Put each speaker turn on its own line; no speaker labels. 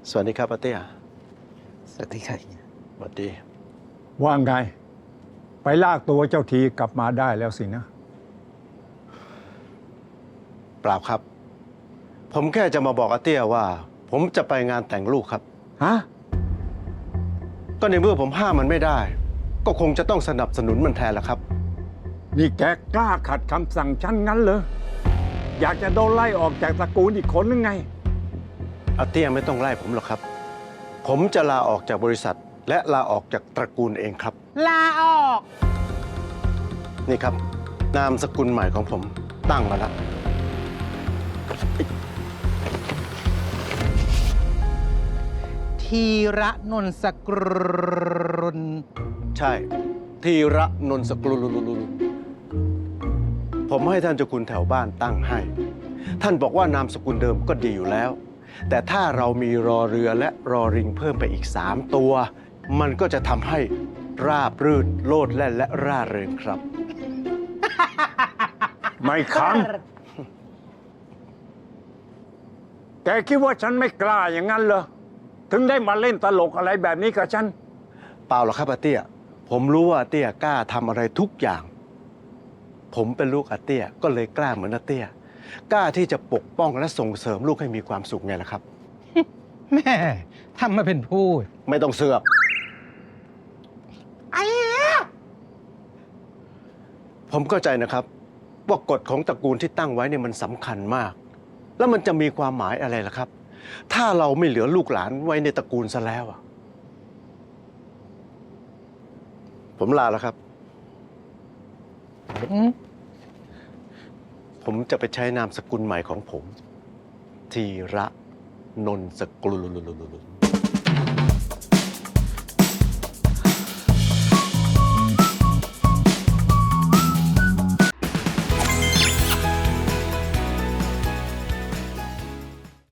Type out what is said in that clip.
สวัสดีครับอาเตี้ย
สวัสดีครับ
สวัสดี
ว่าไง ไปลากตัวเจ้าทีกลับมาได้แล้วสินะ
เปล่าครับ ผมแค่จะมาบอกอาเตี้ยว่า ผมจะไปงานแต่งลูกครับ
ฮะ
ก็ในเมื่อผมห้ามมันไม่ได้ ก็คงจะต้องสนับสนุนมันแทนละครับ
นี่แกกล้าขัดคำสั่งฉันงั้นเหรอ อยากจะโดนไล่ออกจากตระกูลอีกคนหรือไง
อาเตี้ยไม่ต้องไล่ผมหรอกครับ ผมจะลาออกจากบริษัท และลาออกจากตระกูลเองครับ
ลาออก
นี่ครับ นามสกุลใหม่ของผมตั้งมาแล้ว
ทีระนนสกรุล
ใช่ ธีระนนสกุลผมให้ท่านเจ้าคุณแถวบ้านตั้งให้ ท่านบอกว่านามสกุลเดิมก็ดีอยู่แล้ว แต่ถ้าเรามีรอเรือและรอริงเพิ่มไปอีก3 ตัว มันก็จะทำให้ราบรื่นโลดแล่นและร่าเริงครับ
ไม่คัน แกคิดว่าฉันไม่กล้าอย่างนั้นเหรอ ถึงได้มาเล่นตลกอะไรแบบนี้กับฉัน
เปล่าหรอกครับอาเตี้ย ผมรู้ว่าอาเตี้ยกล้าทำอะไรทุกอย่าง ผมเป็นลูกอาเตี้ยก็เลยกล้าเหมือนอาเตี้ย กล้าที่จะปกป้องและส่งเสริมลูกให้มีความสุขไงล่ะครับ
แม่ทำมาเป็นพูด
ไม่ต้องเสือก
ไอ้
ผมเข้าใจนะครับว่ากฎของตระกูลที่ตั้งไว้เนี่ยมันสำคัญมาก แล้วมันจะมีความหมายอะไรล่ะครับ ถ้าเราไม่เหลือลูกหลานไว้ในตระกูลซะแล้วอะผมลาแล้วครับ ผมจะไปใช้นามสกุลใหม่ของผม ธีระนนสกุล